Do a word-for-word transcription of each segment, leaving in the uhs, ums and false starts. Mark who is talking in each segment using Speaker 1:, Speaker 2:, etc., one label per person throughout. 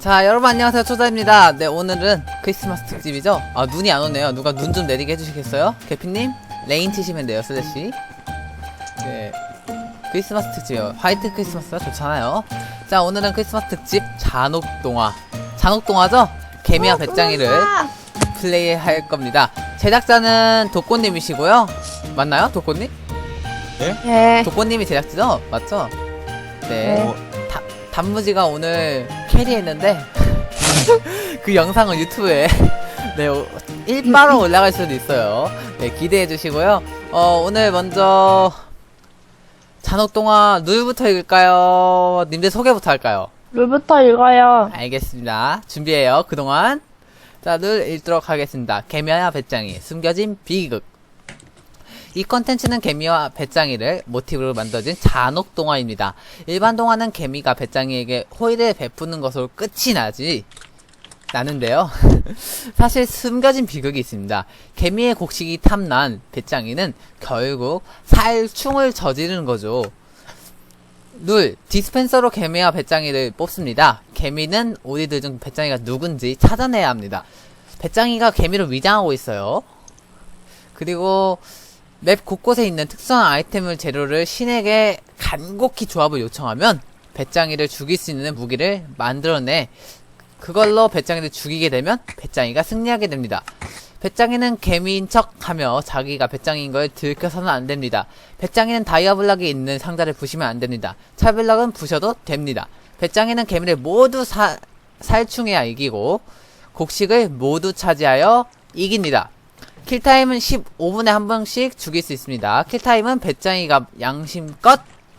Speaker 1: 자, 여러분 안녕하세요. 초자입니다. 네, 오늘은 크리스마스 특집이죠. 아, 눈이 안 오네요. 누가 눈 좀 내리게 해주시겠어요? 개피님? 레인 치시면 돼요, 슬래시. 네, 크리스마스 특집이요. 화이트 크리스마스가 좋잖아요. 자, 오늘은 크리스마스 특집 잔혹동화. 잔혹동화죠? 개미와 배짱이를 플레이할 겁니다. 제작자는 도꼬님이시고요. 맞나요? 도꼬님?
Speaker 2: 네?
Speaker 3: 네.
Speaker 1: 도꼬님이 제작자죠? 맞죠? 네.
Speaker 3: 네.
Speaker 1: 다, 단무지가 오늘 캐리했는데 그 영상은 유튜브에 네, 일바로 올라갈 수도 있어요. 네, 기대해 주시고요. 어, 오늘 먼저 잔혹동화 룰부터 읽을까요? 님들 소개부터 할까요?
Speaker 3: 룰부터 읽어요.
Speaker 1: 알겠습니다. 준비해요. 그동안 자, 룰 읽도록 하겠습니다. 개미와 배짱이 숨겨진 비극. 이 컨텐츠는 개미와 배짱이를 모티브로 만들어진 잔혹 동화입니다. 일반 동화는 개미가 배짱이에게 호의를 베푸는 것으로 끝이 나지 나는데요. 사실 숨겨진 비극이 있습니다. 개미의 곡식이 탐난 배짱이는 결국 살충을 저지르는 거죠. 룰, 디스펜서로 개미와 배짱이를 뽑습니다. 개미는 우리들 중 배짱이가 누군지 찾아내야 합니다. 배짱이가 개미를 위장하고 있어요. 그리고 맵 곳곳에 있는 특수한 아이템을 재료를 신에게 간곡히 조합을 요청하면 배짱이를 죽일 수 있는 무기를 만들어내 그걸로 배짱이를 죽이게 되면 배짱이가 승리하게 됩니다. 배짱이는 개미인 척 하며 자기가 배짱이인 걸 들켜서는 안 됩니다. 배짱이는 다이아블락이 있는 상자를 부시면 안 됩니다. 차블락은 부셔도 됩니다. 배짱이는 개미를 모두 사, 살충해야 이기고 곡식을 모두 차지하여 이깁니다. 킬타임은 십오 분에 한 번씩 죽일 수 있습니다. 킬타임은 배짱이가 양심껏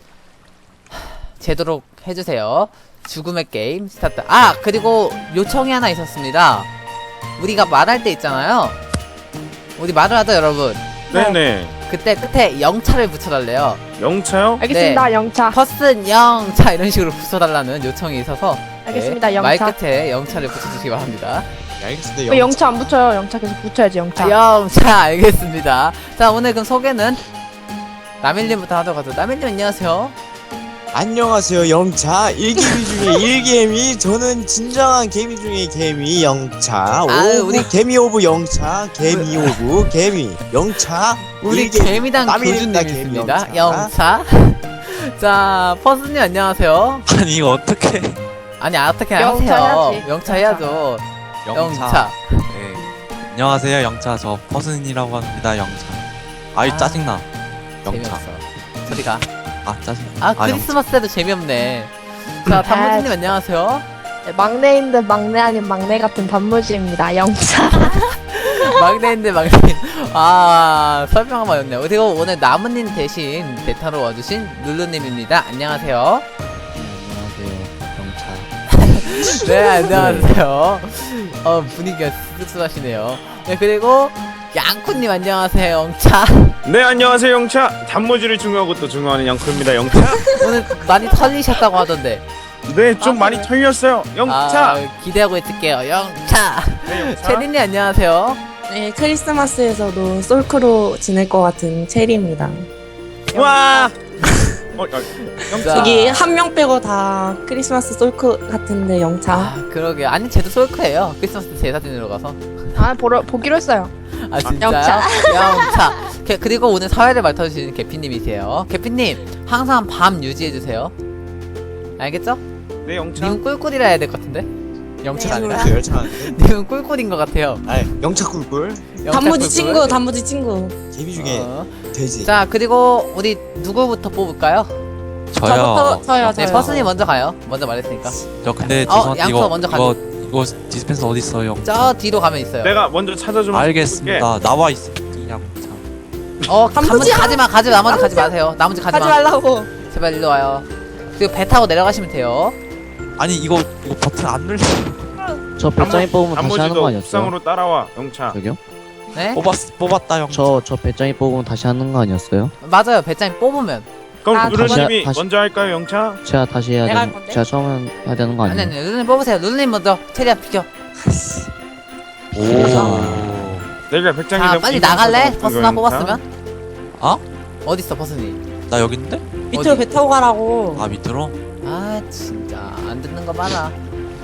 Speaker 1: 제도록 해주세요. 죽음의 게임 스타트. 아, 그리고 요청이 하나 있었습니다. 우리가 말할 때 있잖아요. 우리 말을 하죠, 여러분.
Speaker 2: 네네.
Speaker 1: 그때 끝에 영차를 붙여달래요.
Speaker 2: 영차요?
Speaker 3: 알겠습니다.
Speaker 1: 네.
Speaker 3: 영차.
Speaker 1: 퍼슨 영차 이런 식으로 붙여달라는 요청이 있어서
Speaker 3: 알겠습니다.
Speaker 1: 네,
Speaker 3: 영차.
Speaker 1: 말 끝에 영차를 붙여주시기 바랍니다.
Speaker 2: 알겠습니다.
Speaker 3: 왜 영차 안 붙여요? 영차 계속 붙여야지, 영차.
Speaker 1: 아, 영차 알겠습니다. 자, 오늘 그럼 소개는 남일님부터 하도록 하죠. 남일님 안녕하세요.
Speaker 4: 안녕하세요. 영차 일개미 중에 일개미. 저는 진정한 개미 중에 개미 영차.
Speaker 1: 아유,
Speaker 4: 오브
Speaker 1: 우리-
Speaker 4: 개미 오브 영차. 개미 오브 개미 영차.
Speaker 1: 우리
Speaker 4: 일개미.
Speaker 1: 개미당
Speaker 4: 남일입니다,
Speaker 1: 교주님
Speaker 4: 개미
Speaker 1: 있습니다.
Speaker 4: 영차.
Speaker 1: 영차. 자, 퍼스님 안녕하세요.
Speaker 5: 아니 이거 어떻게
Speaker 1: 아니, 어떻게
Speaker 3: 영차
Speaker 1: 하세요?
Speaker 3: 해야지.
Speaker 1: 영차 해야죠. 영차.
Speaker 5: 네. 안녕하세요 영차. 저 퍼슨이라고 합니다. 영차. 아이
Speaker 1: 아,
Speaker 5: 짜증나. 영차.
Speaker 1: 재미없어. 소리가.
Speaker 5: 아 짜증.
Speaker 1: 아, 크리스마스 때도 재미없네. 자, 단무지님 안녕하세요.
Speaker 3: 네, 막내인데 막내 아닌 막내 같은 단무지입니다. 영차.
Speaker 1: 막내인데 막내. 아, 설명 한번 였네요. 그리고 오늘 나무님 대신 대타로 와주신 룰루님입니다. 안녕하세요.
Speaker 5: 안녕하세요 영차.
Speaker 1: 네, 안녕하세요. 어, 분위기가 씁쓸하시네요. 네, 그리고 양쿠님 안녕하세요. 영차.
Speaker 2: 네, 안녕하세요. 영차. 단무지를 중요하고 또 중요한 영크입니다. 영차.
Speaker 1: 오늘 많이 털리셨다고 하던데.
Speaker 2: 네, 좀
Speaker 1: 아,
Speaker 2: 많이
Speaker 1: 그래?
Speaker 2: 털렸어요. 영차.
Speaker 1: 아, 기대하고 있을게요. 영차.
Speaker 2: 네, 영차.
Speaker 1: 체린님 안녕하세요.
Speaker 6: 네, 크리스마스에서도 솔크로 지낼 것 같은 체리입니다.
Speaker 2: 와. 어, 어, 영차.
Speaker 1: 자.
Speaker 6: 여기 한 명 빼고 다 크리스마스 솔크 같은데 영차.
Speaker 1: 아, 그러게요. 아니, 쟤도 솔크예요. 크리스마스 때 제사 지내러 가서.
Speaker 3: 아, 보러, 보기로 했어요.
Speaker 1: 아, 진짜요?
Speaker 6: 영차.
Speaker 1: 영차. 게, 그리고 오늘 사회를 맡아주시는 개피님이세요. 개피님, 항상 밤 유지해주세요. 알겠죠?
Speaker 2: 네, 영차.
Speaker 1: 님은 꿀꿀이라 해야 될 것 같은데? 영차가
Speaker 6: 네,
Speaker 1: 아니라?
Speaker 4: 열차.
Speaker 1: 님은 꿀꿀인 것 같아요.
Speaker 4: 아니, 영차 꿀꿀.
Speaker 1: 영차
Speaker 6: 단무지
Speaker 1: 꿀꿀.
Speaker 6: 친구, 단무지 친구.
Speaker 4: 개미 중에
Speaker 1: 어.
Speaker 4: 돼지.
Speaker 1: 자, 그리고 우리 누구부터 뽑을까요?
Speaker 5: 저요.
Speaker 6: 저부터 저요,
Speaker 1: 네,
Speaker 6: 저요.
Speaker 1: 퍼슨이 먼저 가요. 먼저 말했으니까.
Speaker 5: 저 근데
Speaker 1: 어,
Speaker 5: 죄송한데
Speaker 1: 양초
Speaker 5: 이거
Speaker 1: 먼저
Speaker 5: 이거 이거 디스펜서 어디 있어요 영차?
Speaker 1: 저 뒤로 가면 있어요.
Speaker 2: 내가 먼저 찾아주면
Speaker 5: 알겠습니다. 나와 있어. 영차.
Speaker 1: 어, 단무지
Speaker 6: 단무지야!
Speaker 1: 가지마, 가지 나머지 가지 마세요. 나머지 가지
Speaker 6: 하지
Speaker 1: 마.
Speaker 6: 말라고.
Speaker 1: 제발 일로 와요. 그리고 배 타고 내려가시면 돼요.
Speaker 5: 아니 이거 이거 버튼 안 눌려.
Speaker 7: 저 배짱이 뽑으면 다시 하는 거
Speaker 2: 단무지도
Speaker 7: 아니었어요?
Speaker 2: 옥상으로 따라와. 영차.
Speaker 7: 저기요?
Speaker 1: 네?
Speaker 5: 뽑았 뽑았다 영차.
Speaker 7: 저, 저 배짱이 뽑으면 다시 하는 거 아니었어요?
Speaker 1: 맞아요. 배짱이 뽑으면.
Speaker 2: 그럼
Speaker 6: 아,
Speaker 2: 누르님이
Speaker 7: 다시-
Speaker 2: 먼저 할까요, 영차?
Speaker 7: 제가 다시 해야
Speaker 6: 내가 할
Speaker 7: 되는,
Speaker 6: 건데?
Speaker 7: 제가 처음 해야 되는 거
Speaker 1: 아니,
Speaker 7: 아니에요?
Speaker 1: 아니, 룰루님 뽑으세요. 룰루님 먼저. 체리야, 비켜.
Speaker 5: 오.
Speaker 2: 내가 백장이
Speaker 1: 자,
Speaker 2: 되면
Speaker 1: 빨리
Speaker 2: 이거
Speaker 1: 나갈래?
Speaker 2: 영차.
Speaker 1: 버스나 뽑았으면?
Speaker 5: 어?
Speaker 1: 어딨어, 버스니?
Speaker 5: 나 여기 있는데?
Speaker 6: 밑으로
Speaker 1: 어디?
Speaker 6: 배 타고 가라고.
Speaker 5: 아 밑으로?
Speaker 1: 아, 진짜. 안 듣는 거 많아.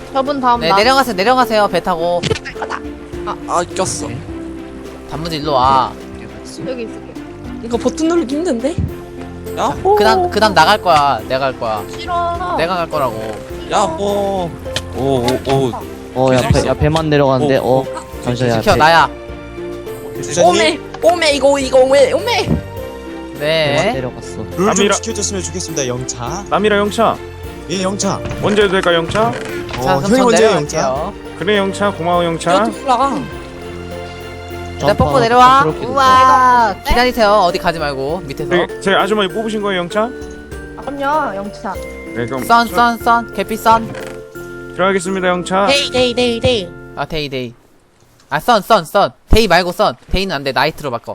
Speaker 3: 저분 다음
Speaker 1: 네
Speaker 3: 나.
Speaker 1: 내려가세요 내려가세요 배 타고.
Speaker 5: 아 꼈어.
Speaker 1: 단무지 일로 와.
Speaker 3: 여기 있을게.
Speaker 6: 이거 버튼 누르기 힘든데?
Speaker 5: 야호.
Speaker 1: 그다음 그다음 나갈 거야. 내가 갈 거야.
Speaker 3: 싫어.
Speaker 1: 내가 갈 거라고.
Speaker 5: 야호. 오오오.
Speaker 7: 어, 야, 배, 야, 배만 내려가는데, 어, 잠시만, 야,
Speaker 1: 지켜
Speaker 7: 배,
Speaker 1: 나야.
Speaker 4: 부사님
Speaker 6: 오메! 오메 이거 이거 오메 오메!
Speaker 7: 배만
Speaker 1: 네.
Speaker 7: 내려갔어.
Speaker 4: 룰 좀
Speaker 2: 남이라-
Speaker 4: 지켜줬으면 좋겠습니다 영차.
Speaker 2: 남이라 영차.
Speaker 4: 예 영차.
Speaker 2: 언제 해도 될까 영차?
Speaker 1: 자
Speaker 4: 어,
Speaker 1: 그럼
Speaker 4: 형이
Speaker 1: 전
Speaker 4: 먼저요 영차.
Speaker 1: 내려갈게요.
Speaker 2: 그래 영차 고마워 영차.
Speaker 6: 이거 올라가.
Speaker 1: 나 뽀뽀 내려와. 우와. 기다리세요. 어디 가지 말고 밑에서.
Speaker 2: 네, 제 아주머니 뽑으신 거예요 영차?
Speaker 3: 아, 그럼요, 영차.
Speaker 2: 네 그럼
Speaker 1: 선 선 선 계피 선.
Speaker 2: 들어가겠습니다 영차.
Speaker 6: 데이 데이 데이 데이.
Speaker 1: 아 데이 데이. 아 선 선 선. 데이 말고 선. 데이는 안 돼. 나이트로 바꿔.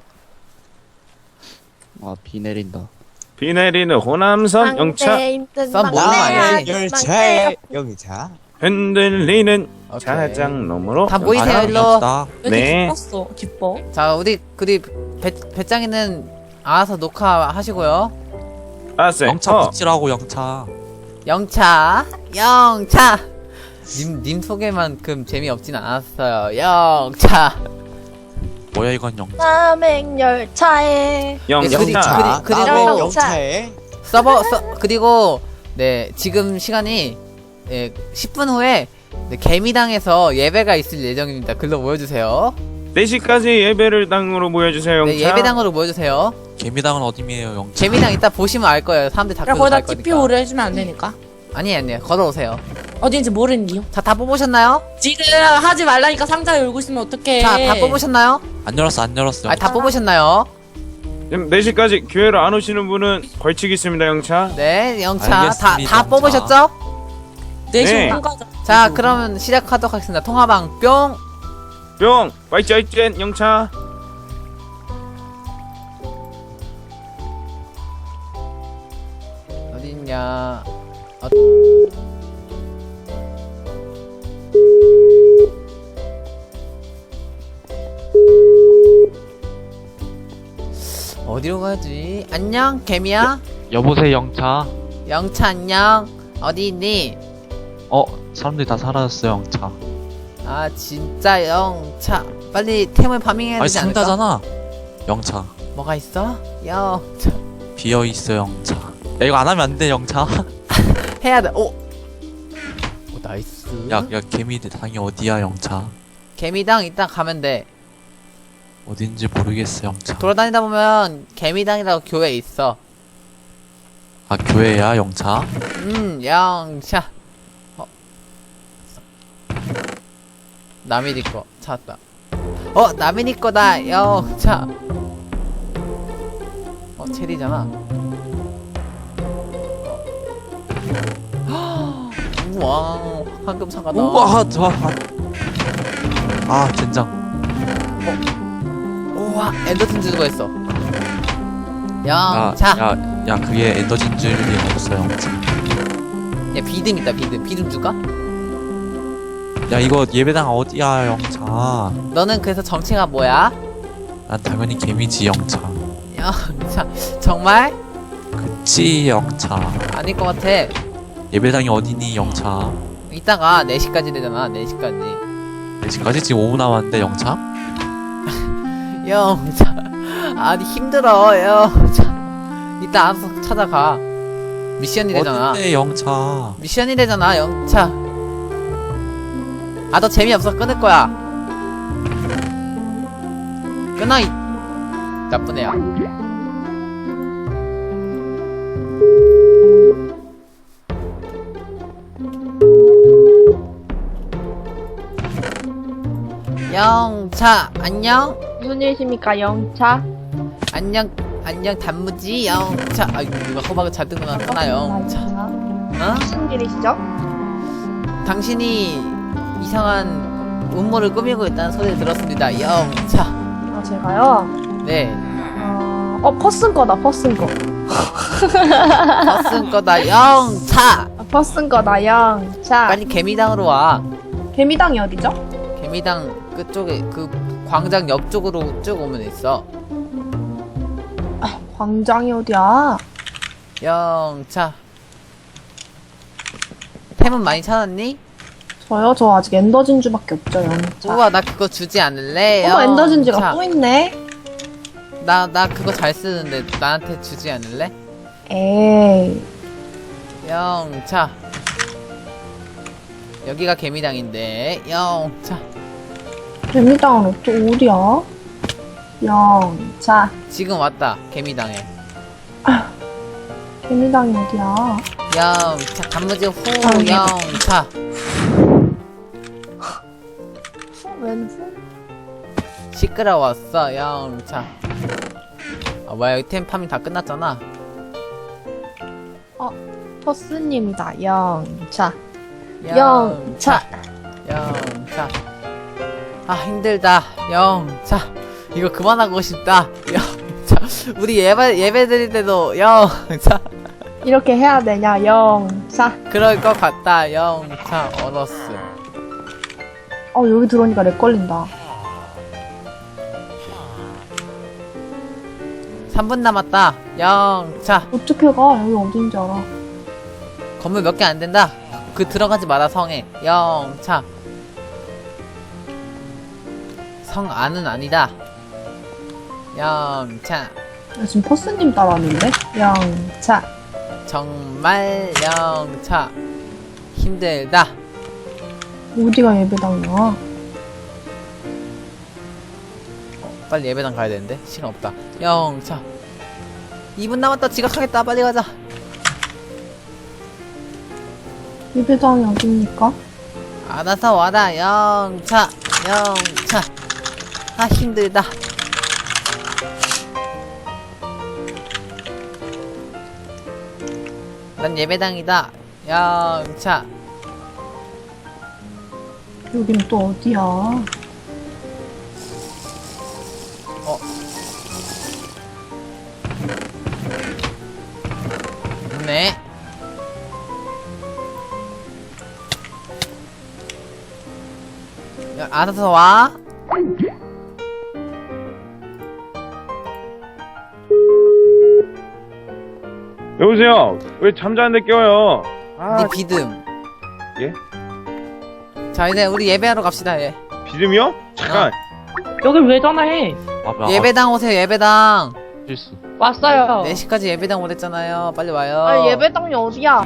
Speaker 7: 아, 비 내린다.
Speaker 2: 비 내리는 호남선 영차.
Speaker 1: 선 모르는 거 아니지?
Speaker 4: 열차의 영차.
Speaker 2: 흔들리는
Speaker 1: 오케이.
Speaker 2: 자장놈으로.
Speaker 1: 다 모이세요
Speaker 5: 아,
Speaker 1: 일로.
Speaker 5: 영차.
Speaker 2: 네.
Speaker 6: 기뻤어. 기뻐.
Speaker 1: 자 우리 우리 배 배짱이는 알아서 녹화하시고요.
Speaker 2: 알았어요.
Speaker 5: 영차
Speaker 2: 어.
Speaker 5: 붙이라고 영차.
Speaker 1: 영차 영차. 님 님 소개만큼 재미없진 않았어요. 영차.
Speaker 5: 뭐야 이건 영차.
Speaker 3: 남행열차에.
Speaker 2: 영
Speaker 1: 네, 그리-
Speaker 2: 영차.
Speaker 1: 그리- 그리고-
Speaker 4: 남의 영차의
Speaker 1: 서버 서, 그리고 네 지금 시간이 예, 십 분 후에 네, 개미당에서 예배가 있을 예정입니다. 글로 모여주세요.
Speaker 2: 네 시까지 예배를 당으로 모여주세요 영차.
Speaker 1: 네, 예배당으로 모여주세요.
Speaker 5: 개미당은 어디미에요 영차.
Speaker 1: 개미당 이따 보시면 알 거예요. 사람들 다
Speaker 6: 야
Speaker 1: 글로
Speaker 6: 거기다
Speaker 1: 갈 거니까.
Speaker 6: 티피오를 해주면 안 되니까.
Speaker 1: 아니 아니요 걸어오세요.
Speaker 6: 어딘지 모르니요.
Speaker 1: 자 다 뽑으셨나요?
Speaker 6: 지금 하지 말라니까 상자 열고 있으면 어떡해.
Speaker 1: 자 다 뽑으셨나요?
Speaker 5: 안 열었어 안 열었어.
Speaker 1: 아니 다 뽑으셨나요?
Speaker 2: 지금 네 시까지 교회로 안 오시는 분은 벌칙 있습니다 영차.
Speaker 1: 네 영차 다
Speaker 5: 알겠습니다,
Speaker 1: 다
Speaker 5: 영차.
Speaker 1: 뽑으셨죠?
Speaker 6: 네
Speaker 2: 네.
Speaker 6: 시간 가자.
Speaker 1: 자 그러면 시작하도록 하겠습니다. 통화방 뿅.
Speaker 2: 뿅 와이짜이짠 영차.
Speaker 1: 어딨냐? 어... 어디로 가지? 안녕 개미야.
Speaker 5: 여보세요 영차.
Speaker 1: 영차 안녕. 어디 있니?
Speaker 5: 어 사람들이 다 사라졌어요 영차.
Speaker 1: 아 진짜 영차. 빨리 템을 파밍해야
Speaker 5: 아니
Speaker 1: 되지 않을까?
Speaker 5: 상자잖아. 영차.
Speaker 1: 뭐가 있어? 영차.
Speaker 5: 비어 있어 영차. 야 이거 안 하면 안 돼 영차.
Speaker 1: 해야 돼. 오. 오 나이스.
Speaker 5: 야 야 개미 당이 어디야 영차.
Speaker 1: 개미당 이따 가면 돼.
Speaker 5: 어딘지 모르겠어 영차.
Speaker 1: 돌아다니다 보면 개미당이라고 교회 있어.
Speaker 5: 아 교회야 영차.
Speaker 1: 음, 영차. 어. 남이 니 거 찾았다. 어, 남이 니 거다. 영차. 어, 체리잖아. 어. 우와, 황금 상가다.
Speaker 5: 우와 저. 아 젠장.
Speaker 1: 우와, 엔더튼 주고 했어.
Speaker 5: 야,
Speaker 1: 영차. 야,
Speaker 5: 야, 야, 그게 엔더진 줄이 없어, 영차.
Speaker 1: 비듬 있다, 비듬. 비듬 줄까?
Speaker 5: 야, 이거 예배당 어디야, 영차.
Speaker 1: 너는 그래서 정체가 뭐야?
Speaker 5: 난 당연히 개미지, 영차.
Speaker 1: 영차. 정말?
Speaker 5: 그치, 영차.
Speaker 1: 아닐 것 같아.
Speaker 5: 예배당이 어디니, 영차.
Speaker 1: 이따가 네 시까지 되잖아. 네 시까지.
Speaker 5: 네 시까지 지금 오 분 남았는데, 영차?
Speaker 1: 영차. 아니 힘들어. 영차. 이따 알아서 찾아가. 미션이 되잖아.
Speaker 5: 어딘데, 영차.
Speaker 1: 미션이 되잖아. 영차. 아 너 재미없어. 끊을 거야. 끊어 이 나쁜 애야. 영차 안녕.
Speaker 3: 무슨 일이십니까, 영차?
Speaker 1: 안녕 안녕 단무지 영차. 아이고 누가 호박을 잔뜩 넣었구나 영차. 어?
Speaker 3: 무슨 일이시죠?
Speaker 1: 당신이 이상한 음모를 꾸미고 있다는 소리를 들었습니다 영차.
Speaker 3: 아, 제가요?
Speaker 1: 네
Speaker 3: 어, 어 퍼슨 거다, 퍼슨 거.
Speaker 1: 버스인 거다 영차.
Speaker 3: 아, 퍼슨 거다, 영차.
Speaker 1: 빨리 개미당으로 와.
Speaker 3: 개미당이 어디죠?
Speaker 1: 개미당 그쪽에 그 광장 옆쪽으로 쭉 오면 있어.
Speaker 3: 아, 광장이 어디야?
Speaker 1: 영차. 템은 많이 찾았니?
Speaker 6: 저요? 저 아직 엔더 진주밖에 없죠, 영차.
Speaker 1: 우와 나 그거 주지 않을래?
Speaker 6: 어머, 엔더 진주가
Speaker 1: 영차.
Speaker 6: 또 있네?
Speaker 1: 나, 나 그거 잘 쓰는데 나한테 주지 않을래?
Speaker 6: 에이.
Speaker 1: 영차. 여기가 개미당인데 영차.
Speaker 6: 개미당은 또 어디야? 영차.
Speaker 1: 지금 왔다 개미당에.
Speaker 6: 개미당이 어디야?
Speaker 1: 영차 단무지 후
Speaker 6: 아,
Speaker 1: 영차.
Speaker 6: 왠지?
Speaker 1: 시끄러웠어 영차. 아 뭐야 여기 템 파밍 다 끝났잖아.
Speaker 3: 퍼스님이다. 영차.
Speaker 1: 영차. 영차. 아 힘들다 영차. 이거 그만하고 싶다 영차. 우리 예배 예배 드릴 때도 영차.
Speaker 3: 이렇게 해야 되냐? 영차.
Speaker 1: 그럴 것 같다 영차. 어너스.
Speaker 6: 어, 여기 들어오니까 렉 걸린다.
Speaker 1: 삼 분 남았다 영차.
Speaker 6: 어떻게 가? 여기 어딘지 알아.
Speaker 1: 건물 몇 개 안 된다. 그 들어가지 마라 성에 영차. 성 안은 아니다 영차.
Speaker 6: 나 지금 퍼스님 따라왔는데? 영차.
Speaker 1: 정말 영차. 힘들다.
Speaker 6: 어디가 예배당이야?
Speaker 1: 빨리 예배당 가야 되는데 시간 없다 영차. 이 분 남았다. 지각하겠다. 빨리 가자.
Speaker 6: 예배당이 어딥니까?
Speaker 1: 알아서 와라 영차. 영차. 아 힘들다. 난 예배당이다 영차.
Speaker 6: 여긴 또 어디야?
Speaker 1: 네. 야, 알아서 와.
Speaker 2: 여보세요. 왜 잠자는데 깨워요? 아,
Speaker 1: 네 비듬.
Speaker 2: 예?
Speaker 1: 자 이제 우리 예배하러 갑시다. 예.
Speaker 2: 비듬이요? 잠깐.
Speaker 8: 여길 왜 전화해?
Speaker 5: 아, 아,
Speaker 1: 예배당 오세요. 예배당.
Speaker 5: 실수.
Speaker 8: 왔어요.
Speaker 1: 네 시까지 예배당 오랬잖아요. 빨리 와요.
Speaker 3: 아, 예배당이 어디야?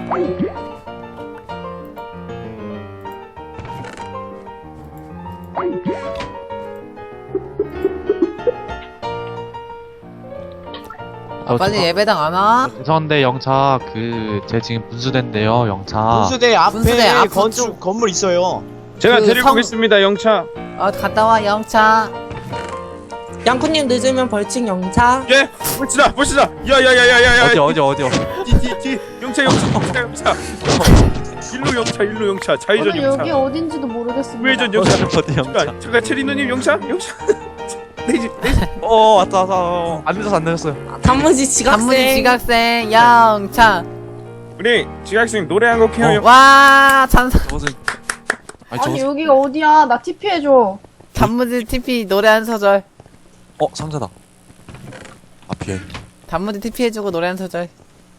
Speaker 1: 아, 빨리 예배당 안 와?
Speaker 5: 죄송한데 영차 그 제 지금 분수대인데요 영차.
Speaker 4: 분수대 앞에
Speaker 1: 분수대 앞
Speaker 4: 건축
Speaker 1: 쪽.
Speaker 4: 건물 있어요.
Speaker 2: 제가
Speaker 1: 그
Speaker 2: 데리고
Speaker 1: 성-
Speaker 2: 오겠습니다, 영차.
Speaker 1: 어 갔다 와 영차.
Speaker 8: 양쿠님 늦으면 벌칙 영차.
Speaker 2: 예? 보시다, 보시다. 야야야야야야.
Speaker 5: 어디 어디 어디요?
Speaker 2: 뒤뒤뒤. 영차, 영차, 영차, 영차. 일로 영차, 일로 영차. 좌회전
Speaker 3: 저는
Speaker 2: 영차.
Speaker 3: 여기 어딘지도 모르겠습니다.
Speaker 2: 우회전 영차.
Speaker 5: 어디 영차?
Speaker 2: 잠깐, 잠깐 체리노님 영차, 영차. 내지, 내지.
Speaker 5: 어 왔다 왔다. 어, 안 늦었어 안 늦었어요.
Speaker 8: 단무지 지각생.
Speaker 1: 단무지 지각생 영차.
Speaker 2: 우리 지각생 노래 한 곡 해요.
Speaker 1: 와 찬사.
Speaker 5: 저것은 아니
Speaker 3: 아니,
Speaker 5: 저것은
Speaker 3: 여기가 어디야? 나 티피 해줘.
Speaker 1: 단무지 티피 노래 한 소절.
Speaker 5: 어 상자다. 아 비행.
Speaker 1: 단무지 티피 해주고 노래 한 소절.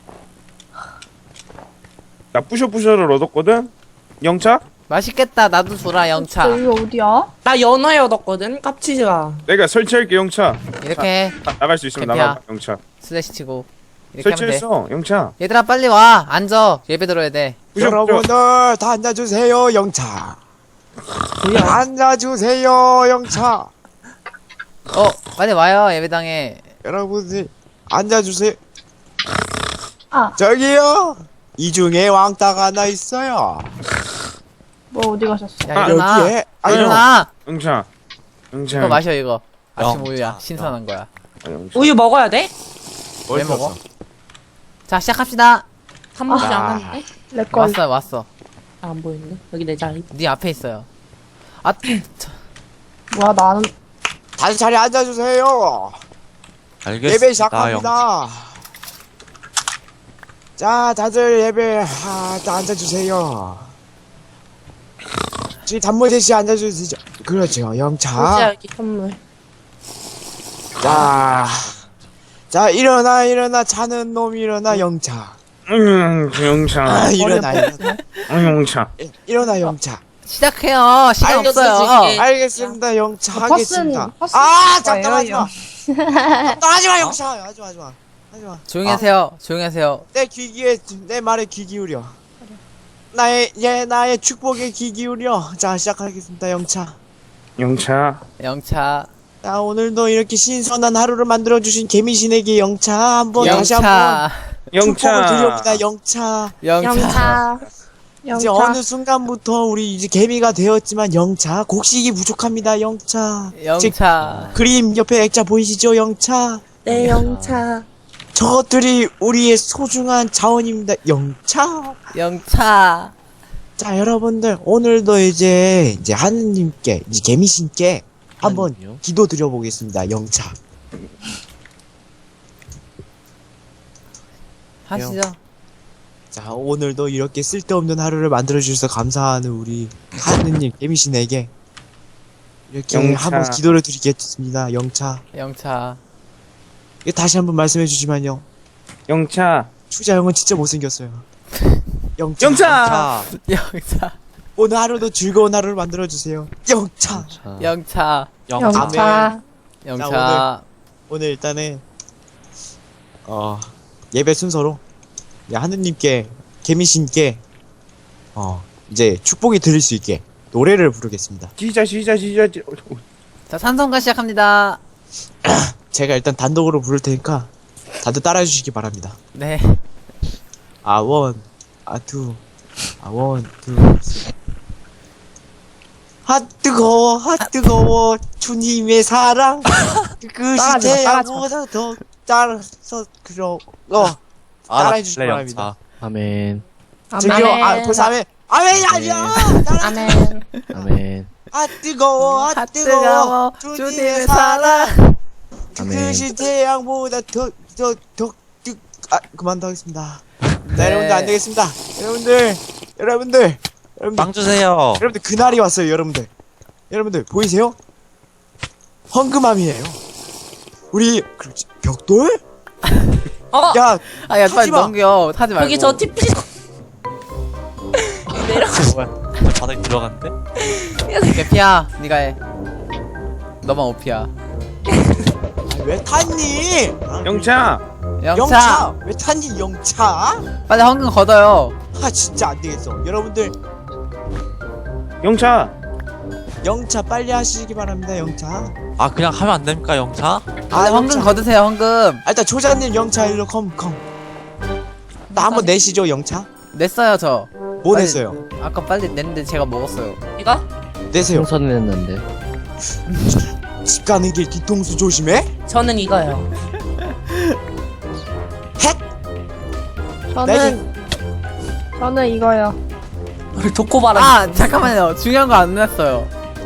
Speaker 2: 나 뿌셔뿌셔를 얻었거든. 영차?
Speaker 1: 맛있겠다. 나도 줘라 영차.
Speaker 3: 여기 어디야?
Speaker 8: 나 연어에 얻었거든. 깝치지 마.
Speaker 2: 내가 설치할게, 영차.
Speaker 1: 이렇게
Speaker 2: 아, 나갈 수 있으면
Speaker 1: 캠피야.
Speaker 2: 나가, 영차.
Speaker 1: 슬래시 치고 이렇게 하면 돼.
Speaker 2: 설치했어, 영차.
Speaker 1: 얘들아 빨리 와. 앉아. 예배 들어야 돼.
Speaker 2: 뿌셔, 뿌셔.
Speaker 4: 여러분들 다 앉아주세요, 영차. 앉아주세요, 영차.
Speaker 1: 어 빨리 와요 예배당에.
Speaker 4: 여러분들 앉아주세요.
Speaker 3: 아.
Speaker 4: 저기요. 이 중에 왕따가 하나 있어요.
Speaker 3: 뭐 어디 가셨어?
Speaker 1: 야 일어나.
Speaker 4: 여기에 아니
Speaker 1: 일어나.
Speaker 2: 영차. 영차.
Speaker 1: 이거 마셔 이거. 아침
Speaker 5: 영차.
Speaker 1: 우유야. 신선한 거야.
Speaker 2: 아, 영차.
Speaker 8: 우유 먹어야 돼?
Speaker 1: 왜 먹어? 자 시작합시다.
Speaker 8: 단무지
Speaker 4: 아.
Speaker 8: 안 왔는데?
Speaker 3: 렉걸.
Speaker 1: 왔어요 왔어.
Speaker 8: 아, 안 보이네. 여기 내 자리.
Speaker 1: 네 앞에 있어요. 아 저,
Speaker 3: 뭐야, 나는.
Speaker 4: 다시 자리 앉아주세요.
Speaker 5: 알겠습니다.
Speaker 4: 예배
Speaker 5: 영차.
Speaker 4: 시작합니다. 자, 다들 예배 아, 다 앉아주세요. 저기 단무지 씨 앉아주시죠. 그렇죠, 영차.
Speaker 8: 보자 여기 선물.
Speaker 4: 자, 자 일어나 일어나 자는 놈 일어나 영차.
Speaker 2: 음, 영차.
Speaker 4: 아, 일어나 일어나
Speaker 2: 음, 영차.
Speaker 4: 일- 일어나 영차.
Speaker 1: 시작해요. 시간
Speaker 8: 알겠어,
Speaker 1: 없어요.
Speaker 8: 지금.
Speaker 4: 알겠습니다 영차
Speaker 3: 아,
Speaker 4: 하겠습니다.
Speaker 3: 버스는- 버스
Speaker 4: 아 잠깐 하지
Speaker 3: 거예요,
Speaker 4: 마. 나 하지마 영차 하지마 하지마 하지마.
Speaker 1: 조용히 하세요. 조용히 하세요.
Speaker 4: 내 귀기에 내 말에 귀 기울여. 나의 예 나의 축복에 귀 기울여. 자 시작하겠습니다 영차.
Speaker 2: 영차.
Speaker 1: 영차.
Speaker 4: 자 오늘도 이렇게 신선한 하루를 만들어 주신 개미신에게 영차 한번 다시 한번
Speaker 1: 영차.
Speaker 4: 축복을
Speaker 2: 영차.
Speaker 4: 드립니다 영차.
Speaker 1: 영차.
Speaker 4: 이제
Speaker 3: 영차.
Speaker 4: 어느 순간부터 우리 이제 개미가 되었지만 영차 곡식이 부족합니다 영차. 즉,
Speaker 1: 영차.
Speaker 4: 그림 옆에 액자 보이시죠 영차?
Speaker 6: 네, 영차.
Speaker 4: 저것들이 우리의 소중한 자원입니다 영차.
Speaker 1: 영차.
Speaker 4: 자 여러분들 오늘도 이제 이제 하느님께 이제 개미신께 한번
Speaker 7: 하느님이요?
Speaker 4: 기도 드려보겠습니다 영차.
Speaker 1: 하시죠.
Speaker 4: 자 오늘도 이렇게 쓸데없는 하루를 만들어 주셔서 감사하는 우리 하느님 개미신에게 이렇게
Speaker 2: 영차.
Speaker 4: 한번 기도를 드리겠습니다 영차.
Speaker 1: 영차.
Speaker 4: 이거 다시 한번 말씀해 주시면요.
Speaker 2: 영차.
Speaker 4: 추자 형은 진짜 못생겼어요. 영차.
Speaker 2: 영차!
Speaker 1: 영차.
Speaker 4: 오늘 하루도 즐거운 하루를 만들어 주세요 영차.
Speaker 7: 자,
Speaker 1: 영차.
Speaker 7: 영차.
Speaker 3: 영차.
Speaker 1: 영차.
Speaker 4: 오늘 일단은 어 예배 순서로 이제 하느님께 개미신께 어 이제 축복이 들릴 수 있게 노래를 부르겠습니다.
Speaker 2: 시작 시작 시작.
Speaker 1: 자, 산성가 시작합니다.
Speaker 4: 제가 일단 단독으로 부를 테니까 다들 따라해 주시기 바랍니다.
Speaker 1: 네.
Speaker 4: 아원 아투 아원 투 아 뜨거워 아 뜨거워 주님의 사랑 그것이
Speaker 3: 따라하지 마, 따라하지
Speaker 4: 태양보다 더 따라서 그러 어
Speaker 5: 아,
Speaker 4: 따라해 주시기
Speaker 5: 네,
Speaker 4: 바랍니다.
Speaker 5: 영차.
Speaker 7: 아멘.
Speaker 4: 저기요 아 벌써 아멘 아멘이 아니야 따라해
Speaker 3: 아멘.
Speaker 7: 아멘.
Speaker 4: 아 뜨거워 아
Speaker 1: 아,
Speaker 4: 뜨거워
Speaker 1: 뜨거워,
Speaker 4: 주님의
Speaker 1: 주님의
Speaker 4: 사랑
Speaker 7: 아멘.
Speaker 4: 그것이 태양보다 더더더아 그만둬 하겠습니다.
Speaker 1: 네.
Speaker 4: 자 여러분들 안 되겠습니다. 여러분들 여러분들 여러분들
Speaker 5: 빵 주세요.
Speaker 4: 여러분들 그날이 왔어요 여러분들. 여러분들 보이세요? 헝금함이에요. 우리 그렇지 벽돌?
Speaker 8: 어!
Speaker 4: 야
Speaker 1: 아, 야, 빨리
Speaker 4: 하지 마.
Speaker 1: 넘겨. 타지 말고.
Speaker 8: 여기 저 티피
Speaker 5: 뭐야? 바닥에 들어갔는데?
Speaker 1: 개피야, 니가 해. 너만 오피야.
Speaker 4: 아, 왜 탔니? 아,
Speaker 2: 영차.
Speaker 1: 영차.
Speaker 4: 영차 왜 탔니 영차?
Speaker 1: 빨리 황금 걷어요.
Speaker 4: 아 진짜 안 되겠어. 여러분들
Speaker 2: 영차.
Speaker 4: 영차 빨리 하시기 바랍니다 영차.
Speaker 5: 아, 그냥 하면 안 됩니까, 영차?
Speaker 1: 빨리 황금 걷으세요, 황금.
Speaker 4: 아, 일단 조자님 영차 일로 컴 컴. 나 한번 내시죠 영차.
Speaker 1: 냈어요, 저.
Speaker 4: 뭐
Speaker 1: 빨리-
Speaker 4: 냈어요?
Speaker 1: 아까 빨리 냈는데 제가 먹었어요.
Speaker 8: 이거?
Speaker 4: 내세요.
Speaker 7: 풍선을 했는데.
Speaker 4: 집 가는 길 뒤통수 조심해.
Speaker 8: 저는 이거요.
Speaker 3: 저는 저는 이거요.
Speaker 8: 우리 도코바라.
Speaker 1: 아, 잠깐만요. 중요한 거 안 냈어요.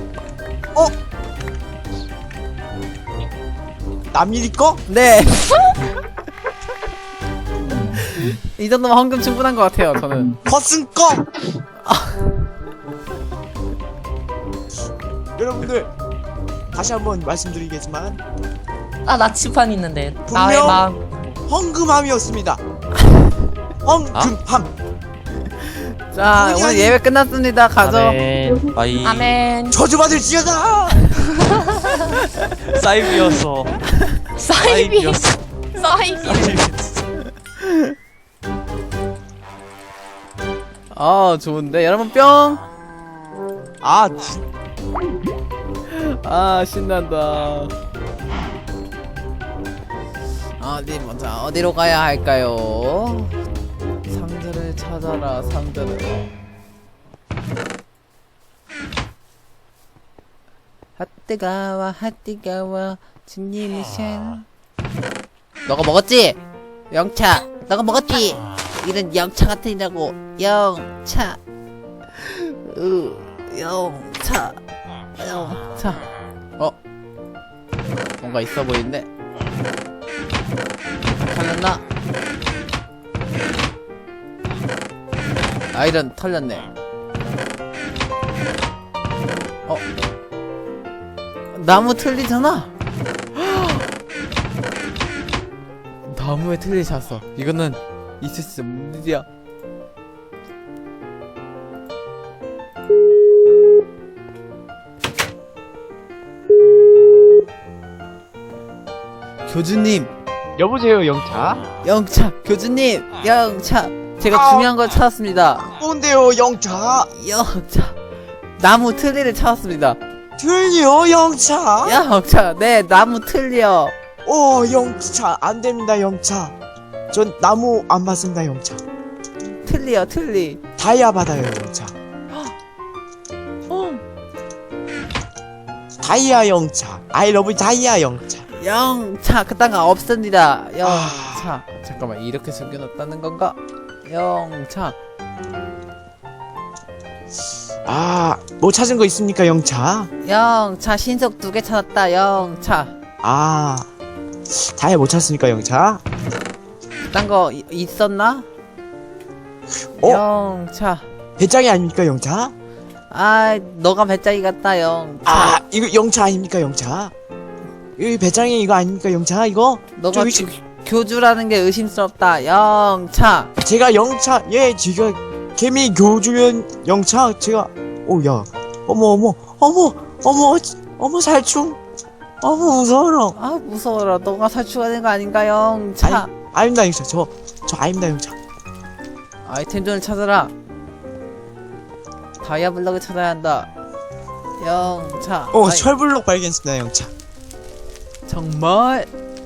Speaker 4: 남일이 거?
Speaker 1: 네. 이 정도면 황금 충분한 것 같아요, 저는.
Speaker 4: 허슨 거. 여러분들 다시 한번 말씀드리겠지만
Speaker 8: 아, 나치판 있는데. 나의
Speaker 4: 분명-
Speaker 8: 마음.
Speaker 4: 헝금함이었습니다. 헝금함.
Speaker 1: 자,
Speaker 4: 아니,
Speaker 1: 오늘
Speaker 4: 아니.
Speaker 1: 예배 끝났습니다. 가죠.
Speaker 7: 아멘.
Speaker 5: 아이,
Speaker 8: 아멘.
Speaker 4: 저주받을 지어다.
Speaker 5: 사이비였어.
Speaker 8: 사이비.
Speaker 5: 사이비였어.
Speaker 8: 사이비.
Speaker 1: 아, 좋은데. 여러분 뿅.
Speaker 4: 아
Speaker 1: 아, 신난다. 어디 먼저 어디로 가야 할까요? 상자를 찾아라, 상자를. 핫뜨가와 핫뜨가와 주님의 신. 너가 먹었지? 영차, 너가 먹었지? 이런 영차 같으니라고. 영차. 으, 영차. 영차. 어? 뭔가 있어 보이는데? 털렸나? 아이런 털렸네. 어? 나무 틀리잖아? 나무에 틀리 잤어. 이거는 있을 수 없는 일이야. 교주님,
Speaker 4: 여보세요 영차.
Speaker 1: 영차, 교주님, 영차. 제가
Speaker 4: 아.
Speaker 1: 중요한 걸 찾았습니다.
Speaker 4: 뭔데요 영차?
Speaker 1: 영차. 나무 틀니를 찾았습니다.
Speaker 4: 들려 영차?
Speaker 1: 영차, 네, 나무 틀니요.
Speaker 4: 오 영차 안됩니다 영차. 전 나무 안 받습니다 영차.
Speaker 1: 틀니요, 틀니.
Speaker 4: 다이아 받아요 영차.
Speaker 1: 어.
Speaker 4: 다이아 영차. I love 다이아 영차.
Speaker 1: 영차, 그딴 거 없습니다.
Speaker 4: 아.
Speaker 1: 영차. 잠깐만, 이렇게 숨겨놨다는 건가? 영차.
Speaker 4: 아, 뭐 찾은 거 있습니까 영차?
Speaker 1: 영차, 신속 두 개 찾았다. 영차.
Speaker 4: 아, 다이아 못 찾습니까 영차?
Speaker 1: 그딴 거 이- 있었나?
Speaker 4: 어?
Speaker 1: 영차.
Speaker 4: 배짱이 아닙니까 영차?
Speaker 1: 아, 너가 배짱이 같다. 영차.
Speaker 4: 아, 이거 영차 아닙니까 영차? 이 배짱이 이거 아닙니까 영차 이거?
Speaker 1: 너가
Speaker 4: 저기
Speaker 1: 교, 교주라는 게 의심스럽다. 영차.
Speaker 4: 제가 영차 예 제가 개미 교주면 영차 제가 오야 어머 어머 어머 어머 어머 살충 어머 무서워라.
Speaker 1: 아, 무서워라. 너가 살충하는 거 아닌가? 영차.
Speaker 4: 아닙니다 영차 저 저 아닙니다 영차.
Speaker 1: 아이템존을 찾아라. 다이아 블럭을 찾아야 한다. 영차.
Speaker 4: 어
Speaker 1: 아이,
Speaker 4: 철블록 발견했습니다 영차.
Speaker 1: 정말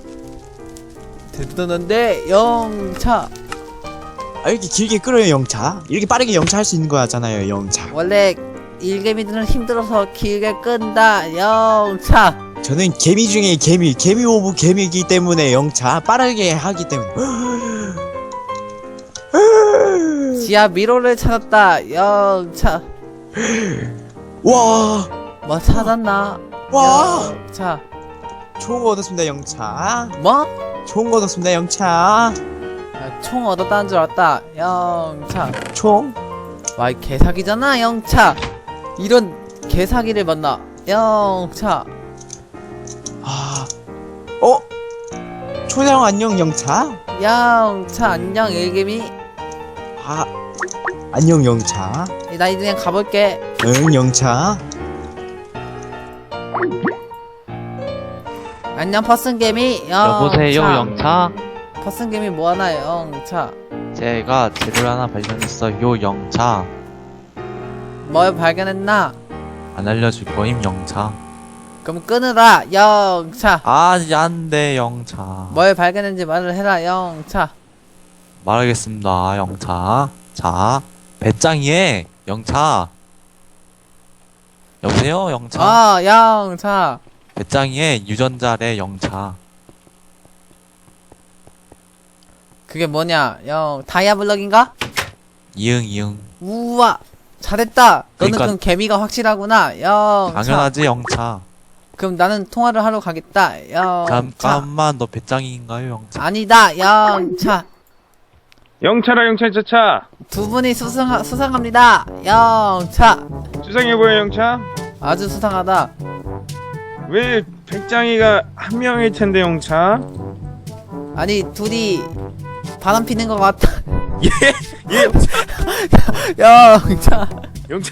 Speaker 1: 대단한데. 영차.
Speaker 4: 아 이렇게 길게 끌어요 영차. 이렇게 빠르게 영차 할 수 있는 거잖아요 영차.
Speaker 1: 원래 일개미들은 힘들어서 길게 끈다. 영차.
Speaker 4: 저는 개미 중에 개미 개미 오브 개미이기 때문에 영차 빠르게 하기 때문에.
Speaker 1: 지하 미로를 찾았다. 영차.
Speaker 4: 와,
Speaker 1: 뭐 찾았나?
Speaker 4: 와,
Speaker 1: 영차.
Speaker 4: 좋은 거 얻었습니다 영차.
Speaker 1: 뭐?
Speaker 4: 좋은 거 얻었습니다 영차.
Speaker 1: 야, 총 얻었다는 줄 알았다. 영차.
Speaker 4: 총?
Speaker 1: 와, 이 개사기잖아. 영차. 이런 개사기를 만나. 영차.
Speaker 4: 아, 어? 초장 안녕 영차.
Speaker 1: 영차. 안녕 일개미.
Speaker 4: 아, 안녕 영차.
Speaker 1: 나 이제 그냥 가볼게.
Speaker 4: 응 영차.
Speaker 1: 안녕 퍼슨개미. 영차.
Speaker 5: 여보세요 영차.
Speaker 1: 퍼슨개미 뭐하나. 영차.
Speaker 5: 제가 재료를 하나 발견했어요 영차.
Speaker 1: 뭘 발견했나?
Speaker 5: 안 알려줄 거임 영차.
Speaker 1: 그럼 끊으라. 영차.
Speaker 5: 아 안돼 영차.
Speaker 1: 뭘 발견했는지 말을 해라. 영차.
Speaker 5: 말하겠습니다 영차. 자 배짱이에 영차. 여보세요 영차.
Speaker 1: 아, 영차.
Speaker 5: 배짱이에 유전자래 영차.
Speaker 1: 그게 뭐냐? 영 다이아 블럭인가?
Speaker 5: 이응 이응.
Speaker 1: 우와. 잘했다. 너는
Speaker 5: 그러니까-
Speaker 1: 그럼 개미가 확실하구나. 영차.
Speaker 5: 당연하지 영차.
Speaker 1: 그럼 나는 통화를 하러 가겠다. 영차.
Speaker 5: 잠깐만 너 배짱이인가요 영차?
Speaker 1: 아니다. 영차.
Speaker 2: 영차라 영차 차차.
Speaker 1: 두 분이 수상 수상합니다. 영차.
Speaker 2: 수상해 보여 영차.
Speaker 1: 아주 수상하다.
Speaker 2: 왜 백장이가 한 명일 텐데 영차?
Speaker 1: 아니 둘이 바람 피는 것 같다.
Speaker 2: 예
Speaker 1: 영차.
Speaker 2: 영차.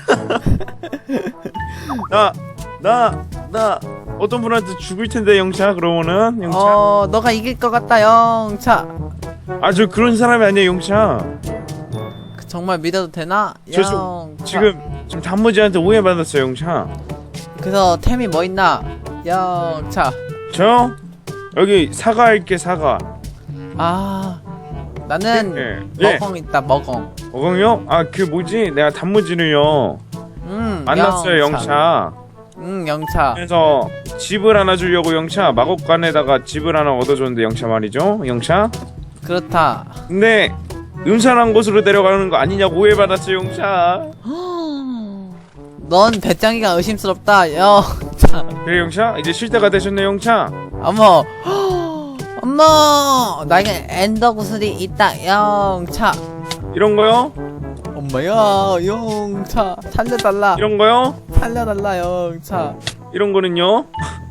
Speaker 2: 나 나 나 어떤 분한테 죽을 텐데 영차 그러면은 영차.
Speaker 1: 어, 너가 이길 것 같다. 영차.
Speaker 2: 아저 그런 사람이 아니야 영차.
Speaker 1: 그 정말 믿어도 되나?
Speaker 2: 저 수-
Speaker 1: 영차.
Speaker 2: 지금 지금 단무지한테 오해받았어요 영차.
Speaker 1: 그래서 템이 뭐 있나? 영차.
Speaker 2: 저 여기 사과 할게 사과.
Speaker 1: 아, 나는
Speaker 2: 예. 예.
Speaker 1: 먹엉 있다. 먹엉.
Speaker 2: 어광요? 아 그 뭐지? 내가 단무지를요
Speaker 1: 음.
Speaker 2: 만났어요 영차.
Speaker 1: 응, 영차.
Speaker 2: 그래서 집을 하나 주려고 영차 마곡간에다가 집을 하나 얻어줬는데 영차 말이죠 영차.
Speaker 1: 그렇다.
Speaker 2: 근데 음산한 곳으로 데려가는 거 아니냐고 오해받았어요 영차.
Speaker 1: 넌 배짱이가 의심스럽다. 영차.
Speaker 2: 그래 영차? 이제 쉴 때가 되셨네 영차.
Speaker 1: 어머. 엄마. 나에게 엔더 구슬이 있다. 영차.
Speaker 2: 이런 거요?
Speaker 1: 엄마야, 영차. 살려달라.
Speaker 2: 이런 거요?
Speaker 1: 살려달라, 영차.
Speaker 2: 이런 거는요?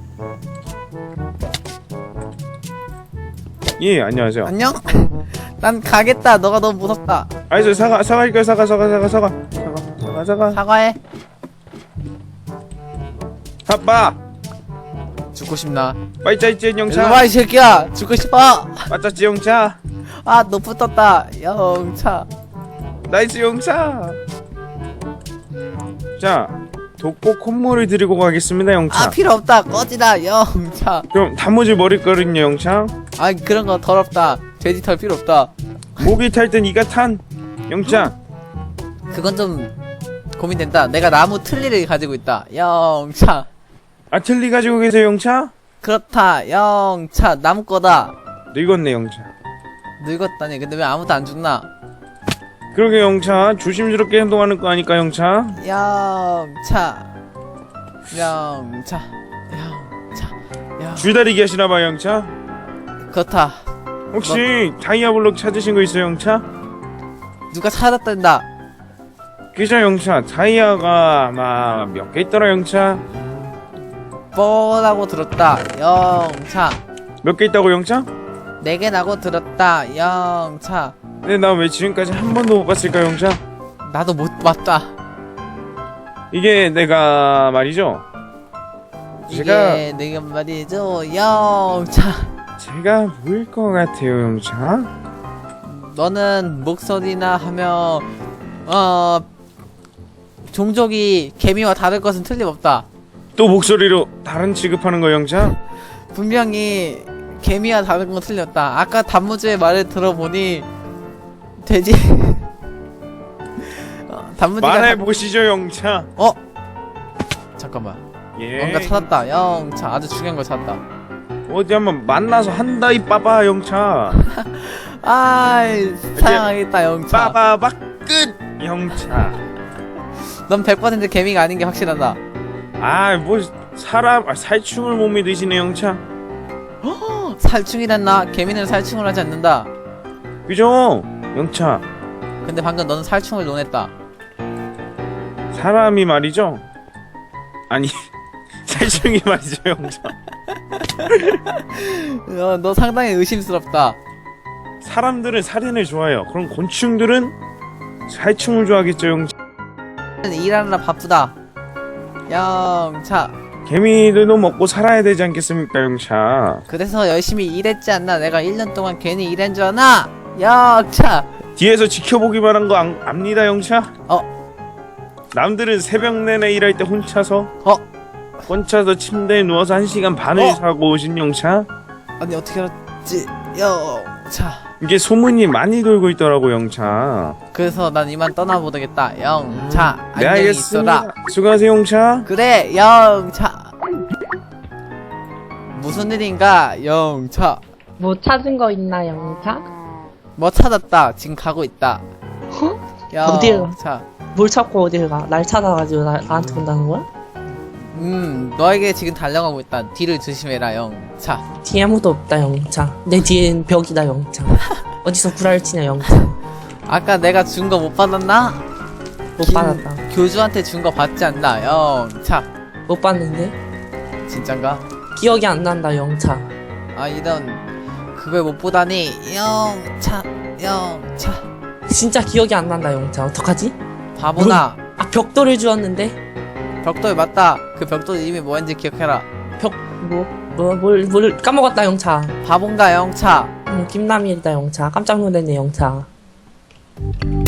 Speaker 2: 예 안녕하세요.
Speaker 1: 안녕? 난 가겠다. 너가 너무 무섭다.
Speaker 2: 아니 저 사과 사과일까요? 사과 사과 사과 사과 사과 사과 사과
Speaker 1: 사과해.
Speaker 2: 아빠
Speaker 1: 죽고 싶나?
Speaker 2: 빨리 짜있지
Speaker 1: 일로
Speaker 2: 영차.
Speaker 1: 와이 새끼야 죽고 싶어.
Speaker 2: 맞았지 영차.
Speaker 1: 아 너 붙었다 영차.
Speaker 2: 나이스 영차. 자 독보 콧물을 드리고 가겠습니다 영차.
Speaker 1: 아 필요 없다 꺼지다 영차.
Speaker 2: 그럼 단무지 머리거리냐 영차.
Speaker 1: 아 그런 거 더럽다. 돼지 털 필요 없다.
Speaker 2: 목이 탈 땐 이가 탄 영차.
Speaker 1: 그건 좀 고민된다. 내가 나무 틀니를 가지고 있다 영차.
Speaker 2: 아틀리 가지고 계세요 영차.
Speaker 1: 그렇다 영차. 나무 거다.
Speaker 2: 늙었네 영차.
Speaker 1: 늙었다니. 근데 왜 아무도 안 죽나?
Speaker 2: 그러게 영차 조심스럽게 행동하는 거 아니까 영차.
Speaker 1: 영차 영차 영차 영
Speaker 2: 줄다리기 하시나봐 영차.
Speaker 1: 그렇다.
Speaker 2: 혹시 다이아블록 찾으신 거 있어요 영차?
Speaker 1: 누가 찾았단다.
Speaker 2: 그죠 영차. 다이아가 아마 몇 개 있더라 영차.
Speaker 1: 뻔하고 들었다 영차.
Speaker 2: 몇 개 있다고 영차?
Speaker 1: 네개 나고 들었다 영차.
Speaker 2: 근데 나 왜 지금까지 한 번도 못 봤을까 영차?
Speaker 1: 나도 못 봤다.
Speaker 2: 이게 내가 말이죠. 제가
Speaker 1: 이게 내가 말이죠 영차.
Speaker 2: 제가 뭐일 것 같아요 영차?
Speaker 1: 너는 목소리나 하며 어 종족이 개미와 다를 것은 틀림없다.
Speaker 2: 또 목소리로 다른 취급하는 거 영차?
Speaker 1: 분명히 개미와 다른 건 틀렸다. 아까 단무지의 말을 들어보니 돼지 어, 단무지가
Speaker 2: 말해보시죠 영차.
Speaker 1: 어? 잠깐만.
Speaker 2: 예.
Speaker 1: 뭔가 찾았다 영차. 아주 중요한 걸 찾았다.
Speaker 2: 어디 한번 만나서 한다이 빠바 영차.
Speaker 1: 아이 사양하겠다 영차.
Speaker 2: 빠바바 끝 영차.
Speaker 1: 넌 백 퍼센트 개미가 아닌 게 확실하다.
Speaker 2: 아 뭐 사람 아, 살충을 못 믿으시네 영차.
Speaker 1: 살충이란나? 개미는 살충을 하지 않는다.
Speaker 2: 그죠 영차.
Speaker 1: 근데 방금 너는 살충을 논했다.
Speaker 2: 사람이 말이죠. 아니 살충이 말이죠 영차.
Speaker 1: 어, 너 상당히 의심스럽다.
Speaker 2: 사람들은 살인을 좋아해요. 그럼 곤충들은 살충을 좋아하겠죠 영차.
Speaker 1: 일하느라 바쁘다 영차.
Speaker 2: 개미들도 먹고 살아야 되지 않겠습니까 영차.
Speaker 1: 그래서 열심히 일했지 않나? 내가 일 년 동안 괜히 일한 줄 아나? 영차.
Speaker 2: 뒤에서 지켜보기만 한 거 압니다 영차.
Speaker 1: 어?
Speaker 2: 남들은 새벽 내내 일할 때 혼자서
Speaker 1: 어?
Speaker 2: 혼자서 침대에 누워서 한 시간 반을
Speaker 1: 어?
Speaker 2: 자고 오신 영차.
Speaker 1: 아니 어떻게 알았지 영차.
Speaker 2: 이게 소문이 많이 돌고 있더라고 영차.
Speaker 1: 그래서 난 이만 떠나보겠다 영차.
Speaker 2: 네
Speaker 1: 안녕히
Speaker 2: 알겠습니다.
Speaker 1: 있어라.
Speaker 2: 수고하세요 영차.
Speaker 1: 그래 영차. 무슨 일인가 영차.
Speaker 3: 뭐 찾은 거 있나 영차?
Speaker 1: 뭐 찾았다. 지금 가고 있다
Speaker 6: 어디요?
Speaker 1: 영차.
Speaker 6: 뭘 찾고 어딜 가? 날 찾아가지고 나, 나한테 온다는 거야?
Speaker 1: 음 너에게 지금 달려가고 있다. 뒤를 조심해라 영차.
Speaker 6: 뒤에 아무도 없다 영차. 내 뒤엔 벽이다 영차. 어디서 구라를 치냐 영차.
Speaker 1: 아까 내가 준 거 못 받았나?
Speaker 6: 못
Speaker 1: 김-
Speaker 6: 받았다.
Speaker 1: 교주한테 준 거 받지 않나 영차.
Speaker 6: 못 받는데?
Speaker 1: 진짠가?
Speaker 6: 기억이 안 난다 영차.
Speaker 1: 아 이런 그걸 못 보다니 영차 영차.
Speaker 6: 진짜 기억이 안 난다 영차. 어떡하지?
Speaker 1: 바보나.
Speaker 6: 아 벽돌을 주었는데?
Speaker 1: 벽돌 맞다. 그 벽돌 이름이 뭐였는지 기억해라.
Speaker 6: 벽 뭐? 뭐, 뭘, 뭘 까먹었다 영차.
Speaker 1: 바본가 영차.
Speaker 6: 음, 김남일이다 영차. 깜짝 놀랐네 영차.